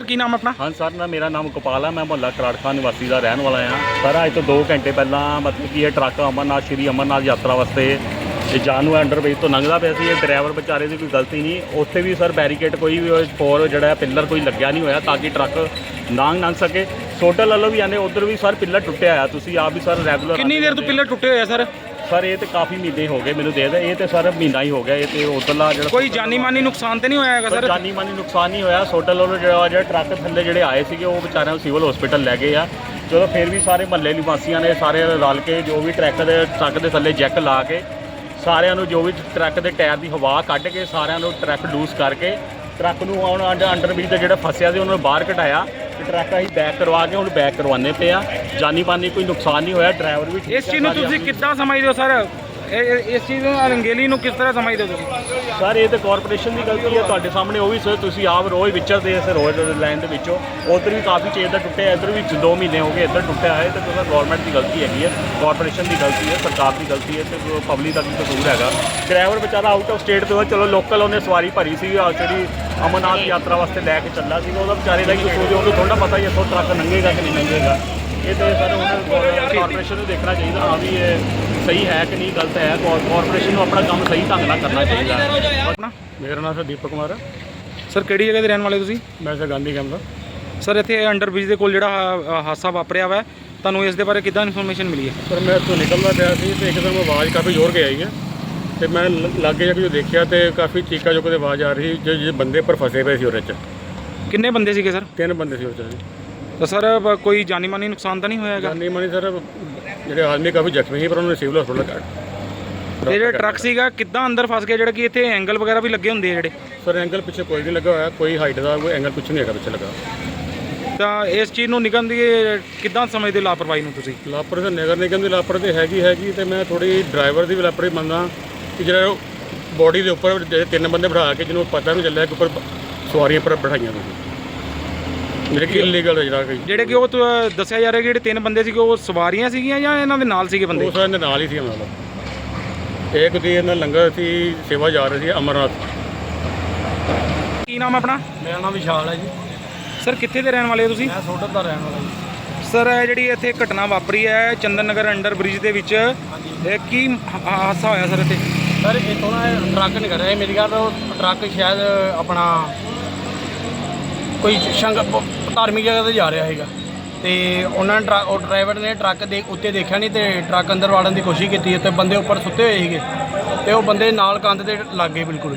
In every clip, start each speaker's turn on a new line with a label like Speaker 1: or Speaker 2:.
Speaker 1: ਕੀ ਨਾਮ ਆਪਣਾ?
Speaker 2: ਹਾਂ ਸਰ ਨਾ ਮੇਰਾ ਨਾਮ ਗੋਪਾਲ ਹੈ। ਮੈਂ ਮੁਹੱਲਾ ਕਰਾੜਖਾਨ ਨਿਵਾਸੀ ਦਾ ਰਹਿਣ ਵਾਲਾ ਹਾਂ ਸਰ। ਅੱਜ ਤੋਂ 2 ਘੰਟੇ ਪਹਿਲਾਂ ਮਤਲਬ ਕਿ ਇਹ ਟਰੱਕ ਅਮਰਨਾਥ ਸ਼੍ਰੀ ਅਮਰਨਾਥ ਯਾਤਰਾ ਵਾਸਤੇ ਇਹ ਜਾਨੂ ਅੰਡਰਬ੍ਰਿਜ ਤੋਂ ਲੰਘਦਾ ਪਿਆ ਸੀ। ਇਹ ਡਰਾਈਵਰ ਵਿਚਾਰੇ ਦੀ ਕੋਈ ਗਲਤੀ ਨਹੀਂ। ਉੱਥੇ ਵੀ ਸਰ ਬੈਰੀਕੇਡ ਕੋਈ ਵੀ ਫੋਰ ਜਿਹੜਾ ਪਿੱਲਰ ਕੋਈ ਲੱਗਿਆ ਨਹੀਂ ਹੋਇਆ ਤਾਂ ਕਿ ਟਰੱਕ ਲੰਘ ਸਕੇ। ਸੋਟਲ ਵੱਲੋਂ ਵੀ ਆਨੇ ਉੱਧਰ ਵੀ ਸਰ ਪਿੱਲਰ ਟੁੱਟਿਆ ਆ। ਤੁਸੀਂ ਆਪ ਵੀ ਸਰ ਰੈਗੂਲਰ
Speaker 1: ਕਿੰਨੀ ਦੇਰ ਤੋਂ ਪਿੱਲਰ ਟੁੱਟੇ ਹੋਏ ਆ ਸਰ?
Speaker 2: ਸਰ ਇਹ ਤੇ ਕਾਫੀ ਮਹੀਨੇ ਹੋ ਗਏ ਮੈਨੂੰ ਦੇ ਇਹ ਤੇ ਸਰ ਮਹੀਨਾ ਹੀ ਹੋ ਗਿਆ। ਇਹ ਤੇ ਉੱਧਰਲਾ ਜਿਹੜਾ
Speaker 1: ਕੋਈ ਜਾਨੀ ਮਾਨੀ ਨੁਕਸਾਨ ਤੇ ਨਹੀਂ ਹੋਇਆ ਹੈਗਾ ਸਰ?
Speaker 2: ਜਾਨੀ ਮਾਨੀ ਨੁਕਸਾਨ ਨਹੀਂ ਹੋਇਆ। ਸੋਟਲ ਵੱਲੋਂ ਜਿਹੜਾ ਟਰੱਕ ਥੱਲੇ ਜਿਹੜੇ ਆਏ ਸੀਗੇ ਉਹ ਵਿਚਾਰਿਆਂ ਨੂੰ ਸਿਵਲ ਹਸਪੀਟਲ ਲੈ ਗਏ ਆ। ਜਦੋਂ ਫਿਰ ਵੀ ਸਾਰੇ ਮਹੱਲੇ ਨਿਵਾਸੀਆਂ ਨੇ ਸਾਰੇ ਰਲ ਕੇ ਜੋ ਵੀ ਟਰੱਕ ਦੇ ਥੱਲੇ ਜੈਕ ਲਾ ਕੇ ਸਾਰਿਆਂ ਨੂੰ ਜੋ ਵੀ ਟਰੱਕ ਦੇ ਟਾਇਰ ਦੀ ਹਵਾ ਕੱਢ ਕੇ ਸਾਰਿਆਂ ਨੂੰ ਟਰੱਕ ਲੂਸ ਕਰਕੇ ਟਰੱਕ ਨੂੰ ਹੁਣ ਅੰਡਰਬ੍ਰਿਜ ਦਾ ਜਿਹੜਾ ਫਸਿਆ ਸੀ ਉਹਨਾਂ ਨੂੰ ਬਾਹਰ ਕਢਾਇਆ ਤੇ ਟਰੱਕ ਅਸੀਂ ਬੈਕ ਕਰਵਾ ਕੇ ਹੁਣ ਬੈਕ ਕਰਵਾਉਂਦੇ ਪਏ ਆ। ਜਾਨੀ ਮਾਨੀ ਕੋਈ ਨੁਕਸਾਨ ਨਹੀਂ ਹੋਇਆ। ਡਰਾਈਵਰ ਵੀ ਠੀਕ
Speaker 1: ਇਸ ਚੀਜ਼ ਨੂੰ ਤੁਸੀਂ ਕਿੱਦਾਂ ਸਮਝਦੇ ਹੋ ਸਰ? ਇਸ ਚੀਜ਼ ਨੂੰ ਰੰਗੇਲੀ ਨੂੰ ਕਿਸ ਤਰ੍ਹਾਂ ਸਮਝਦੇ ਹੋ ਤੁਸੀਂ?
Speaker 2: ਸਰ ਇਹ ਤਾਂ ਕਾਰਪੋਰੇਸ਼ਨ ਦੀ ਗਲਤੀ ਹੈ। ਤੁਹਾਡੇ ਸਾਹਮਣੇ ਉਹ ਵੀ ਸਰ ਤੁਸੀਂ ਆਪ ਰੋਜ਼ ਵਿਚਰਦੇ ਇਸ ਰੋਜ਼ ਲਾਈਨ ਦੇ ਵਿੱਚੋਂ ਉੱਧਰ ਵੀ ਕਾਫੀ ਚੇਜ਼ ਦਾ ਟੁੱਟਿਆ। ਇੱਧਰ ਵੀ 2 ਮਹੀਨੇ ਹੋ ਗਏ ਇੱਧਰ ਟੁੱਟਿਆ ਹੈ। ਤੇ ਸਰ ਗਵਰਨਮੈਂਟ ਦੀ ਗਲਤੀ ਹੈਗੀ ਹੈ, ਕਾਰਪੋਰੇਸ਼ਨ ਦੀ ਗਲਤੀ ਹੈ, ਸਰਕਾਰ ਦੀ ਗਲਤੀ ਹੈ ਤੇ ਪਬਲਿਕ ਦਾ ਵੀ ਕਸੂਰ ਹੈਗਾ। ਡਰਾਈਵਰ ਵਿਚਾਰਾ ਆਊਟ ਆਫ ਸਟੇਟ ਤੋਂ ਚਲੋ ਲੋਕਲ ਉਹਨੇ ਸਵਾਰੀ ਭਰੀ ਸੀ ਜਿਹੜੀ ਅਮਰਨਾਥ ਯਾਤਰਾ ਵਾਸਤੇ ਲੈ ਕੇ ਚੱਲਾ ਸੀ। ਉਹਦਾ ਵਿਚਾਰੇ ਦਾ ਕੀ ਕਸੂਰ? ਉਹਨੂੰ ਥੋੜ੍ਹਾ ਪਤਾ ਹੀ ਇੱਥੋਂ ਟਰੱਕ ਲੰਘੇਗਾ ਕਿ ਨਹੀਂ ਲੰਘੇਗਾ। ਇਹ ਤਾਂ ਸਰ ਹੁਣ ਕਾਰਪੋਰੇਸ਼ਨ ਨੂੰ ਦੇਖਣਾ ਚਾਹੀਦਾ ਹਾਂ ਵੀ ਇਹ ਸਹੀ ਹੈ ਕਿ ਨਹੀਂ ਗਲਤ ਹੈ। ਕਾਰਪੋਰੇਸ਼ਨ ਨੂੰ ਆਪਣਾ ਕੰਮ ਸਹੀ ਢੰਗ ਨਾਲ ਕਰਨਾ ਚਾਹੀਦਾ।
Speaker 1: ਆਪਣਾ
Speaker 2: ਮੇਰਾ ਨਾਮ ਸਰ ਦੀਪਕ ਕੁਮਾਰ ਹੈ।
Speaker 1: ਸਰ ਕਿਹੜੀ ਜਗ੍ਹਾ ਦੇ ਰਹਿਣ ਵਾਲੇ ਤੁਸੀਂ?
Speaker 2: ਮੈਂ ਸਰ ਗਾਂਧੀ ਕੈਂਪ ਦਾ।
Speaker 1: ਸਰ ਇੱਥੇ ਅੰਡਰਬ੍ਰਿਜ ਦੇ ਕੋਲ ਜਿਹੜਾ ਹਾਦਸਾ ਵਾਪਰਿਆ ਵਾ ਤੁਹਾਨੂੰ ਇਸ ਦੇ ਬਾਰੇ ਕਿੱਦਾਂ ਇਨਫੋਰਮੇਸ਼ਨ ਮਿਲੀ ਹੈ?
Speaker 2: ਸਰ ਮੈਂ ਇੱਥੋਂ ਨਿਕਲਦਾ ਪਿਆ ਸੀ ਅਤੇ ਇੱਕਦਮ ਆਵਾਜ਼ ਕਾਫੀ ਜ਼ੋਰ ਕੇ ਆਈ ਹੈ ਅਤੇ ਮੈਂ ਲਾਗੇ ਜਾ ਕੇ ਜੋ ਦੇਖਿਆ ਅਤੇ ਕਾਫੀ ਚੀਕਾ ਚੁੱਕ ਦੀ ਆਵਾਜ਼ ਆ ਰਹੀ ਜੋ ਬੰਦੇ ਪਰ ਫਸੇ ਪਏ ਸੀ ਉਹਦੇ 'ਚ।
Speaker 1: ਕਿੰਨੇ ਬੰਦੇ ਸੀਗੇ ਸਰ?
Speaker 2: 3 ਬੰਦੇ ਸੀ ਉਹਦੇ 'ਚ।
Speaker 1: ਤਾਂ ਸਰ ਕੋਈ ਜਾਨੀ ਮਾਨੀ ਨੁਕਸਾਨ ਤਾਂ ਨਹੀਂ ਹੋਇਆ ਹੈਗਾ?
Speaker 2: ਜਾਨੀ ਮਾਨੀ ਸਰ ਜਿਹੜੇ ਆਦਮੀ ਕਾਫੀ ਜ਼ਖਮੀ ਸੀ ਪਰ ਉਹਨਾਂ ਨੇ ਸਿਵਲ ਹਸਪਤਾਲ ਕੱਢ।
Speaker 1: ਤੇ ਜਿਹੜਾ ਟਰੱਕ ਸੀਗਾ ਕਿੱਦਾਂ ਅੰਦਰ ਫਸ ਗਿਆ ਜਿਹੜਾ ਕਿ ਇੱਥੇ ਐਂਗਲ ਵਗੈਰਾ ਵੀ ਲੱਗੇ ਹੁੰਦੇ ਆ ਜਿਹੜੇ?
Speaker 2: ਸਰ ਐਂਗਲ ਪਿੱਛੇ ਕੋਈ ਨਹੀਂ ਲੱਗਾ ਹੋਇਆ। ਕੋਈ ਹਾਈਟ ਦਾ ਕੋਈ ਐਂਗਲ ਕੁਛ ਨਹੀਂ ਹੈਗਾ ਪਿੱਛੇ ਲੱਗਾ।
Speaker 1: ਤਾਂ ਇਸ ਚੀਜ਼ ਨੂੰ ਨਿਗਮ ਦੀ ਕਿੱਦਾਂ ਸਮਝਦੇ ਲਾਪਰਵਾਹੀ ਨੂੰ ਤੁਸੀਂ?
Speaker 2: ਲਾਪਰਵਾਹੀ ਨਗਰ ਨਿਗਮ ਦੀ ਲਾਪਰਵਾਹੀ ਹੈਗੀ ਅਤੇ ਮੈਂ ਥੋੜ੍ਹੀ ਡਰਾਈਵਰ ਦੀ ਵੀ ਲਾਪਰਵਾਹੀ ਮੰਨਦਾ ਕਿ ਜਿਹੜਾ ਬੋਡੀ ਦੇ ਉੱਪਰ ਜਿਹੜੇ 3 ਬੰਦੇ ਬਿਠਾ ਕੇ ਜਿਹਨੂੰ ਪਤਾ ਨਹੀਂ ਚੱਲਿਆ ਕਿ ਉੱਪਰ ਸਵਾਰੀਆਂ ਪਰ ਬਿਠਾਈਆਂ ਤੁਸੀਂ ਜਿਹੜੇ ਕਿ ਇਲੀਗਲ
Speaker 1: ਜਿਹੜੇ ਕਿ ਉਹ ਦੱਸਿਆ ਜਾ ਰਿਹਾ ਕਿ ਜਿਹੜੇ 3 ਬੰਦੇ ਸੀਗੇ ਉਹ ਸਵਾਰੀਆਂ ਸੀਗੀਆਂ ਜਾਂ ਇਹਨਾਂ ਦੇ ਨਾਲ ਸੀਗੇ ਬੰਦੇ?
Speaker 2: ਉਹ ਇਹਨਾਂ ਦੇ ਨਾਲ ਹੀ ਸੀ। ਮਤਲਬ ਇੱਕ ਦੀ ਇਹਨਾਂ ਲੰਗਰ ਸੀ ਸੇਵਾ ਜਾ ਰਹੀ ਸੀ ਅਮਰਨਾਥ।
Speaker 1: ਕੀ ਨਾਮ ਆਪਣਾ?
Speaker 3: ਮੇਰਾ ਨਾਮ ਵਿਸ਼ਾਲ ਹੈ ਜੀ।
Speaker 1: ਸਰ ਕਿੱਥੇ ਦੇ ਰਹਿਣ ਵਾਲੇ ਹੋ ਤੁਸੀਂ?
Speaker 3: ਮੈਂ ਸੋਡਰ ਦਾ ਰਹਿਣ ਵਾਲਾ ਜੀ।
Speaker 1: ਸਰ ਇਹ ਜਿਹੜੀ ਇੱਥੇ ਘਟਨਾ ਵਾਪਰੀ ਹੈ ਚੰਦਨ ਨਗਰ ਅੰਡਰ ਬ੍ਰਿਜ ਦੇ ਵਿੱਚ ਇਹ ਕੀ ਹਾਦਸਾ ਹੋਇਆ ਸਰ ਇੱਥੇ?
Speaker 3: ਸਰ ਇੱਥੋਂ ਨਾ ਟਰੱਕ ਨਹੀਂ ਕਰ ਰਿਹਾ ਮੇਰੀ ਗੱਲ। ਉਹ ਟਰੱਕ ਸ਼ਾਇਦ ਆਪਣਾ ਕੋਈ ਧਾਰਮਿਕ ਜਗ੍ਹਾ 'ਤੇ ਜਾ ਰਿਹਾ ਸੀਗਾ ਅਤੇ ਉਹਨਾਂ ਨੇ ਉਹ ਡਰਾਈਵਰ ਨੇ ਟਰੱਕ ਦੇ ਉੱਤੇ ਦੇਖਿਆ ਨਹੀਂ ਅਤੇ ਟਰੱਕ ਅੰਦਰ ਵਾੜਨ ਦੀ ਕੋਸ਼ਿਸ਼ ਕੀਤੀ ਅਤੇ ਬੰਦੇ ਉੱਪਰ ਸੁੱਤੇ ਹੋਏ ਸੀਗੇ ਅਤੇ ਉਹ ਬੰਦੇ ਨਾਲ ਕੰਧ ਦੇ ਲੱਗ ਗਏ ਬਿਲਕੁਲ।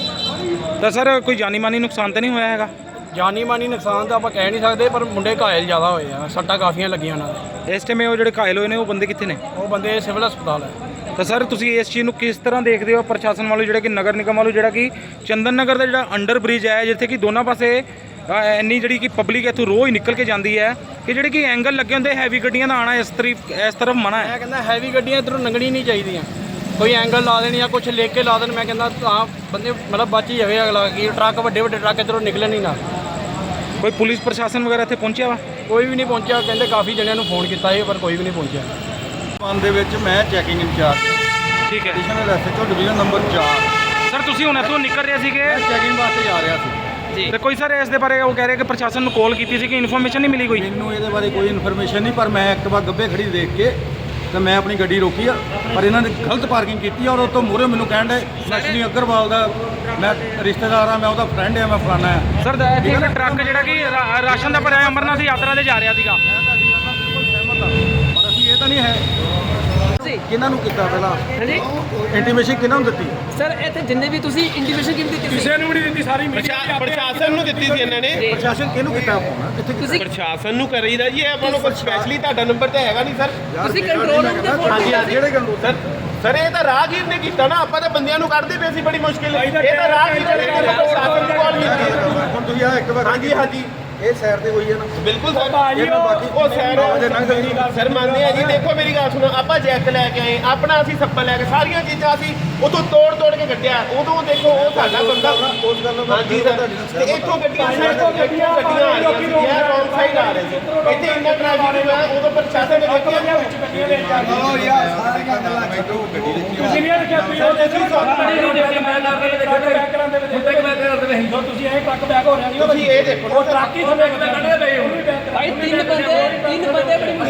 Speaker 1: ਤਾਂ ਸਰ ਕੋਈ ਜਾਨੀ ਮਾਨੀ ਨੁਕਸਾਨ ਤਾਂ ਨਹੀਂ ਹੋਇਆ ਹੈਗਾ?
Speaker 3: ਜਾਨੀ ਮਾਨੀ ਨੁਕਸਾਨ ਤਾਂ ਆਪਾਂ ਕਹਿ ਨਹੀਂ ਸਕਦੇ ਪਰ ਮੁੰਡੇ ਘਾਇਲ ਜ਼ਿਆਦਾ ਹੋਏ ਆ। ਸੱਟਾਂ ਕਾਫੀਆਂ ਲੱਗੀਆਂ ਉਹਨਾਂ ਦੇ।
Speaker 1: ਇਸ ਟਾਈਮ ਉਹ ਜਿਹੜੇ ਘਾਇਲ ਹੋਏ ਨੇ ਉਹ ਬੰਦੇ ਕਿੱਥੇ ਨੇ?
Speaker 3: ਉਹ ਬੰਦੇ ਸਿਵਲ ਹਸਪਤਾਲ ਹੈ।
Speaker 1: ਤਾਂ ਸਰ ਤੁਸੀਂ ਇਸ ਚੀਜ਼ ਨੂੰ ਕਿਸ ਤਰ੍ਹਾਂ ਦੇਖਦੇ ਹੋ ਪ੍ਰਸ਼ਾਸਨ ਵੱਲੋਂ ਜਿਹੜਾ ਕਿ ਨਗਰ ਨਿਗਮ ਵੱਲੋਂ ਜਿਹੜਾ ਕਿ ਚੰਦਨ ਨਗਰ ਦਾ ਜਿਹੜਾ ਅੰਡਰ ਬ੍ਰਿਜ ਹੈ ਜਿੱਥੇ ਕਿ ਦੋਨਾਂ ਪਾਸੇ ਇੰਨੀ ਜਿਹੜੀ ਕਿ ਪਬਲਿਕ ਇੱਥੋਂ ਰੋਜ਼ ਨਿਕਲ ਕੇ ਜਾਂਦੀ ਹੈ ਕਿ ਜਿਹੜੇ ਕਿ ਐਂਗਲ ਲੱਗੇ ਹੁੰਦੇ ਹੈਵੀ ਗੱਡੀਆਂ ਦਾ ਆਉਣਾ ਇਸ ਤਰਫ ਮਨਾ ਹੈ?
Speaker 3: ਮੈਂ ਕਹਿੰਦਾ ਹੈਵੀ ਗੱਡੀਆਂ ਇੱਧਰੋਂ ਲੰਘਣੀ ਨਹੀਂ ਚਾਹੀਦੀਆਂ। ਕੋਈ ਐਂਗਲ ਲਾ ਦੇਣ ਜਾਂ ਕੁਛ ਲਿਖ ਕੇ ਲਾ ਦੇਣ। ਮੈਂ ਕਹਿੰਦਾ ਤਾਂ ਬੰਦੇ ਮਤਲਬ ਬਚ ਹੀ ਜਾਵੇ ਅਗਲਾ ਕਿ ਟਰੱਕ ਵੱਡੇ ਟਰੱਕ ਇੱਧਰੋਂ ਨਿਕਲਣ ਹੀ ਨਾ।
Speaker 1: ਕੋਈ ਪੁਲਿਸ ਪ੍ਰਸ਼ਾਸਨ ਵਗੈਰਾ ਇੱਥੇ ਪਹੁੰਚਿਆ ਵਾ?
Speaker 3: ਕੋਈ ਵੀ ਨਹੀਂ ਪਹੁੰਚਿਆ। ਕਹਿੰਦੇ ਕਾਫੀ ਜਣਿਆਂ ਨੂੰ ਫੋਨ ਕੀਤਾ ਸੀ ਪਰ ਕੋਈ ਵੀ ਨਹੀਂ ਪਹੁੰਚਿਆ।
Speaker 4: ਮਨ ਦੇ ਵਿੱਚ ਮੈਂ ਚੈਕਿੰਗ ਇੰਚਾਰਜ
Speaker 1: ਠੀਕ ਹੈ
Speaker 4: additional SHO division number 4।
Speaker 1: Sir ਤੁਸੀਂ ਹੁਣ ਇੱਥੋਂ ਨਿਕਲ ਰਹੇ ਸੀਗੇ
Speaker 4: ਮੈਂ ਚੈਕਿੰਗ ਵਾਸਤੇ ਜਾ ਰਿਹਾ ਸੀ
Speaker 1: ਜੀ ਤੇ ਕੋਈ ਸਰ ਇਸ ਦੇ ਬਾਰੇ ਉਹ ਕਹਿ ਰਹੇ ਕਿ ਪ੍ਰਸ਼ਾਸਨ ਨੂੰ ਕਾਲ ਕੀਤੀ ਸੀ ਕਿ ਇਨਫੋਰਮੇਸ਼ਨ ਨਹੀਂ ਮਿਲੀ ਕੋਈ?
Speaker 4: ਮੈਨੂੰ ਇਹਦੇ ਬਾਰੇ ਕੋਈ ਇਨਫੋਰਮੇਸ਼ਨ ਨਹੀਂ ਪਰ ਮੈਂ ਐਕਟਿਵਾ ਗੱਬੇ ਖੜੀ ਦੇਖ ਕੇ ਤੇ ਮੈਂ ਆਪਣੀ ਗੱਡੀ ਰੋਕੀ ਆ ਪਰ ਇਹਨਾਂ ਨੇ ਗਲਤ ਪਾਰਕਿੰਗ ਕੀਤੀ ਔਰ ਉਹ ਤੋਂ ਮੂਹਰੇ ਮੈਨੂੰ ਕਹਿਣ ਦੇ ਨਸ਼ਨੀ ਅਗਰਵਾਲ ਦਾ ਮੈਂ ਰਿਸ਼ਤੇਦਾਰ ਆ, ਮੈਂ ਉਹਦਾ ਫਰੈਂਡ ਆ, ਮੈਂ ਫਲਾਣਾ ਆ।
Speaker 1: ਸਰ ਇੱਥੇ ਟਰੱਕ ਜਿਹੜਾ ਕਿ ਰਾਸ਼ਨ ਦਾ ਭਰਿਆ ਅਮਰਨਾਥ ਯਾਤਰਾ ਤੇ ਜਾ ਰਿਹਾ ਸੀਗਾ।
Speaker 4: ਮੈਂ ਤੁਹਾਡੀ ਗੱਲ ਨਾਲ ਬਿਲਕੁਲ ਸਹਿਮਤ ਹਾਂ ਪਰ ਅਸੀਂ ਇਹ ਤਾਂ ਨਹੀਂ ਹੈ ਕਿਹਨਾਂ ਨੂੰ ਕੀਤਾ ਪਹਿਲਾਂ
Speaker 5: ਹਾਂਜੀ
Speaker 4: ਇੰਟੀਮੇਸ਼ਨ ਕਿਹਨਾਂ ਨੂੰ ਦਿੱਤੀ?
Speaker 5: ਸਰ ਇੱਥੇ ਜਿੰਨੇ ਵੀ ਤੁਸੀਂ ਇੰਡੀਵਿਜੂਅਲ ਕਿਵੇਂ ਦਿੱਤੀ ਕਿਸੇ
Speaker 3: ਨੂੰ ਨਹੀਂ ਦਿੱਤੀ ਸਾਰੀ ਪ੍ਰਸ਼ਾਸਨ ਨੂੰ ਦਿੱਤੀ ਸੀ ਇਹਨਾਂ ਨੇ।
Speaker 4: ਪ੍ਰਸ਼ਾਸਨ ਕਿਹਨੂੰ ਕੀਤਾ ਫੋਨ ਇੱਥੇ?
Speaker 5: ਤੁਸੀਂ
Speaker 3: ਪ੍ਰਸ਼ਾਸਨ ਨੂੰ ਕਰੀਦਾ ਜੀ। ਇਹ ਆਪਾਂ ਨੂੰ ਕੋਈ ਸਪੈਸ਼ਲੀ ਤੁਹਾਡਾ ਨੰਬਰ ਤਾਂ ਹੈਗਾ ਨਹੀਂ ਸਰ।
Speaker 5: ਤੁਸੀਂ ਕੰਟਰੋਲ ਰੂਮ ਤੇ ਫੋਨ ਕੀਤਾ ਸੀ?
Speaker 4: ਜਿਹੜੇ ਕੰਟਰੋਲ
Speaker 3: ਸਰ ਇਹ ਤਾਂ ਰਾਹਗੀਰ ਨੇ ਕੀਤਾ ਨਾ। ਆਪਾਂ ਤਾਂ ਬੰਦਿਆਂ ਨੂੰ ਕੱਢਦੇ ਪਏ ਸੀ ਬੜੀ ਮੁਸ਼ਕਿਲ। ਇਹ ਤਾਂ ਰਾਹਗੀਰ ਨੇ ਪ੍ਰਸ਼ਾਸਨ ਨੂੰ ਕਾਲ ਕੀਤੀ।
Speaker 4: ਹੁਣ ਤੁਸੀਂ ਆ ਇੱਕ ਵਾਰ
Speaker 3: ਹਾਂਜੀ
Speaker 4: ਇਹ ਸਾਈਡ ਤੇ ਹੋਈ ਹੈ ਨਾ
Speaker 3: ਬਿਲਕੁਲ ਸਰ।
Speaker 4: ਇਹਨਾਂ ਬਾਕੀ
Speaker 3: ਉਹ ਸਰ ਮੰਨਦੇ ਆ ਜੀ। ਦੇਖੋ ਮੇਰੀ ਗੱਲ ਸੁਣੋ, ਆਪਾਂ ਜੈਕ ਲੈ ਕੇ ਆਏ ਆਪਣਾ, ਅਸੀਂ ਸੱਪਲ ਲੈ ਕੇ ਸਾਰੀਆਂ ਚੀਜ਼ਾਂ ਅਸੀਂ ਉਤੋਂ ਤੋੜ ਕੇ ਕੱਢਿਆ। ਉਦੋਂ ਦੇਖੋ ਉਹ ਸਾਡਾ ਬੰਦਾ
Speaker 4: ਉਸ ਗੱਲ ਨੂੰ
Speaker 3: ਹਾਂਜੀ ਸਰ। ਤੇ ਇੱਥੋਂ ਗੱਡੀਆਂ ਆ ਰਹੀਆਂ ਸੀ, ਇਹ ਰੌਂਗ ਸਾਈਡ ਆ ਰਹੇ ਸੀ। ਇੱਥੇ ਇੰਨਾ ਟ੍ਰੈਫਿਕ ਹੋਇਆ ਉਦੋਂ ਪ੍ਰਸ਼ਾਸਨ ਨੇ ਦੇਖਿਆ
Speaker 4: ਯਾਰ ਸਾਰੀਆਂ ਗੱਲਾਂ ਛੱਡੋ ਗੱਡੀ
Speaker 6: ਕਿੰਨੀਆਂ ਲਿਖਿਆ ਪੀਓ ਦੇ ਸੀ ਤੁਸੀਂ ਇਹ ਟਰੱਕ ਬੈਕ ਹੋ ਰਿਹਾ ਜੀ ਤੁਸੀਂ ਇਹ ਦੇਖੋ ਉਹ ਟਰੱਕ ਹੀ ਥੱਲੇ ਕੱਢੇ ਪਏ ਹੋ
Speaker 5: ਭਾਈ ਤਿੰਨ ਬੰਦੇ ਬੜੀ